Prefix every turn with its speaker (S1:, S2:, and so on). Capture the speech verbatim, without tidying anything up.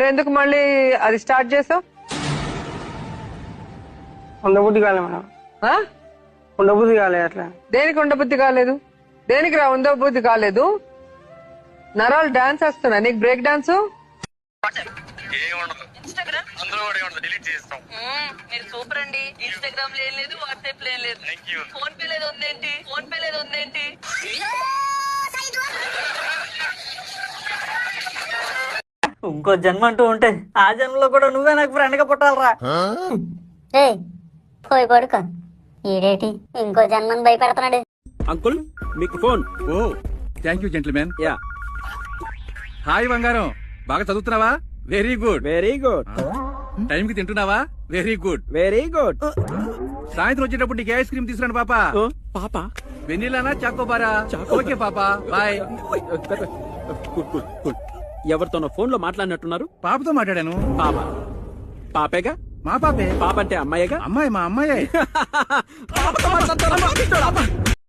S1: నువ్వు ఎందుకు మళ్ళీ అది స్టార్ట్ చేసావు?
S2: ఉండబుద్ధి కాలే మేడం, ఉండబుద్ధి కాలే. అట్లా
S1: దేనికి ఉండబుద్ధి కాలేదు? దేనికి రా ఉండబుద్ధి కాలేదు? నరాలు డాన్స్ వేస్తున్నా, నీకు బ్రేక్ డాన్స్?
S3: మీరు సూపర్ అండి. ఇన్స్టాగ్రామ్ లేదు, వాట్సాప్ లేదు, ఫోన్ పే లేదు, ఉందేంటి? ఫోన్ పే లేదు, ఉందేంటి?
S4: ఇంకో జన్మ అంటూ ఉంటే ఆ జన్మలో కూడా నువ్వే నాకు ఫ్రెండ్ గా పుట్టాలరా.
S5: పోయి పడుకో. ఈడేటి ఇంకో జన్మని భయపెడుతున్నాడు.
S6: అంకుల్ మీకు phone.
S7: Oh thank you gentleman.
S6: Yeah.
S7: Hi బంగారం, బాగా చదువుతున్నావా? Very good.
S6: Very good.
S7: Time కి తింటున్నావా? Very good.
S6: Very good.
S7: సాయంత్రం వచ్చేటప్పుడు నీకు ఐస్ క్రీమ్ తీసుకురండి పాపా.
S6: పాప
S7: వెన్నీలానా చాకోబారా? ఓకే పాపా, బాయ్.
S6: ఎవరితోనో ఫోన్ లో మాట్లాడినట్టున్నారు.
S7: పాపతో మాట్లాడాను.
S6: పాప పాపేగా?
S7: మా పాపే.
S6: పాప అంటే అమ్మాయిగా?
S7: అమ్మాయి మా అమ్మాయి.
S6: పాపతో మాట్లాడతారా?